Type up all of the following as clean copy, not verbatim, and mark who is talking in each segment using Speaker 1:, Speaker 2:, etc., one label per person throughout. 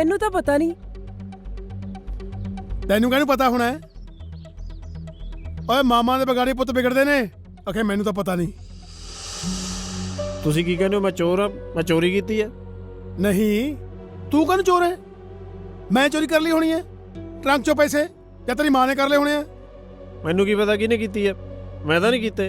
Speaker 1: ਮੈਨੂੰ ਤਾਂ ਪਤਾ ਨਹੀਂ।
Speaker 2: ਤੈਨੂੰ ਕਿਹਨੂੰ ਪਤਾ ਹੋਣਾ? ਓਏ ਮਾਮਾ ਦੇ ਬਗਾੜੀ ਪੁੱਤ ਵਿਗੜਦੇ ਨੇ। ਆਖੇ ਮੈਨੂੰ ਤਾਂ ਪਤਾ ਨਹੀਂ।
Speaker 3: ਤੁਸੀਂ ਕੀ ਕਹਿੰਦੇ ਹੋ? ਮੈਂ ਚੋਰ ਆ? ਮੈਂ ਚੋਰੀ ਕੀਤੀ ਹੈ?
Speaker 2: ਨਹੀਂ, ਤੂੰ ਕਾਹਨੂੰ ਚੋਰ ਹੈ? ਮੈਂ ਚੋਰੀ ਕਰ ਲਈ ਹੋਣੀ ਹੈ ਟਰੰਕ ਚੋਂ ਪੈਸੇ, ਜਾਂ ਤੇਰੀ ਮਾਂ ਨੇ ਕਰ ਲਏ ਹੋਣੇ ਆ।
Speaker 3: ਮੈਨੂੰ ਕੀ ਪਤਾ ਕਿਹਨੇ ਕੀਤੀ ਹੈ? ਮੈਂ ਤਾਂ ਨਹੀਂ ਕੀਤੇ।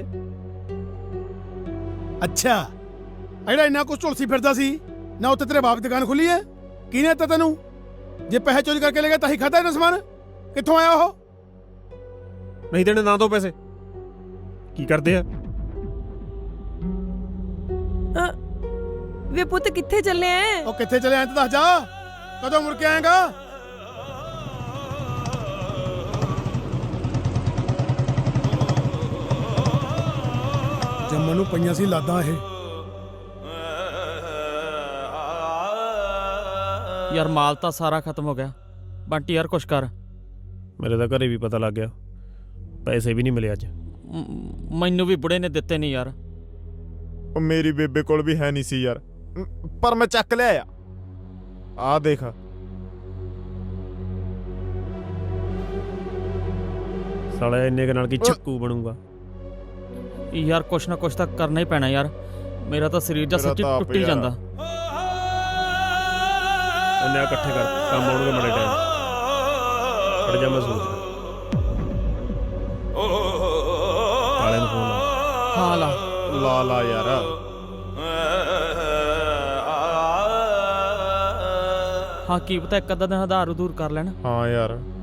Speaker 2: ਅੱਛਾ, ਜਿਹੜਾ ਇੰਨਾ ਕੁਛ ਝੁਲਸੀ ਫਿਰਦਾ ਸੀ ਨਾ, ਉੱਥੇ ਤੇਰੇ ਬਾਪ ਦੀ ਦੁਕਾਨ ਖੁੱਲੀ ਹੈ? ਕਿਹਨੇ ਦਿੱਤਾ ਤੈਨੂੰ? ਜੇ ਪੈਸੇ ਚੋਰੀ ਕਰਕੇ ਲੈ ਗਿਆ ਤਾਂ ਹੀ ਖਾਧਾ ਇਹਨਾਂ ਸਮਾਨ? ਕਿੱਥੋਂ ਆਇਆ ਉਹ?
Speaker 3: ਨਹੀਂ ਦੇਣੇ ਨਾ ਦੋ ਪੈਸੇ। ਕੀ ਕਰਦੇ ਆ?
Speaker 1: ਵੇ ਪੁੱਤ ਕਿੱਥੇ ਚੱਲੇ ਐ?
Speaker 2: ਉਹ ਕਿੱਥੇ ਚਲੇ ਆਇਆ? ਤਾਂ ਦੱਸ ਜਾ, ਕਦੋਂ ਮੁੜ ਕੇ ਆਏਗਾ? ਜੰਮਣ ਨੂੰ ਪਈਆਂ ਸੀ ਲਾਦਾਂ ਇਹ।
Speaker 4: ਯਾਰ ਮਾਲ ਤਾਂ ਸਾਰਾ ਖਤਮ ਹੋ ਗਿਆ। ਬੰਟੀ ਯਾਰ ਕੁਛ ਕਰ।
Speaker 3: ਮੇਰੇ ਤਾਂ ਘਰੇ ਵੀ ਪਤਾ ਲੱਗ ਗਿਆ, ਪੈਸੇ ਵੀ ਨਹੀਂ ਮਿਲੇ ਅੱਜ।
Speaker 4: ਮੈਨੂੰ ਵੀ ਬੁੜੇ ਨੇ ਦਿੱਤੇ ਨਹੀਂ ਯਾਰ।
Speaker 5: ਉਹ ਮੇਰੀ ਬੇਬੇ ਕੋਲ ਵੀ ਹੈ ਨਹੀਂ ਸੀ ਯਾਰ, ਪਰ ਮੈਂ ਚੱਕ ਲਿਆ। ਆ ਦੇਖ,
Speaker 3: ਸਾਲੇ ਇੰਨੇ ਕੁ ਨਾਲ ਕੀ ਚੱਕੂ ਬਣੂਗਾ?
Speaker 4: ਯਾਰ ਕੁਛ ਨਾ ਕੁਛ ਤਾਂ ਕਰਨਾ ਹੀ ਪੈਣਾ ਯਾਰ। ਮੇਰਾ ਤਾਂ ਸਰੀਰ ਜਾਂ ਸੱਚੀ ਟੁੱਟੀ ਜਾਂਦਾ।
Speaker 3: ਇੰਨੇ ਇਕੱਠੇ ਕਰ, ਕੰਮ ਆਉਣਗੇ ਮਾੜੇ ਟਾਈਮ। ਖੜ ਜਾ, ਮੈਂ ਸੋਚਦਾ। ਕਾਲੇ ਨੂੰ ਫੋਨ ਲਾ।
Speaker 4: ਹਾਂ ਲਾ
Speaker 5: ਲਾ ਯਾਰ।
Speaker 4: ਹਾਂ ਕੀ ਪਤਾ ਇੱਕ ਅੱਧਾ ਦਿਨ ਆਧਾਰ ਉਧੂਰ ਕਰ ਲੈਣ।
Speaker 5: ਹਾਂ ਯਾਰ।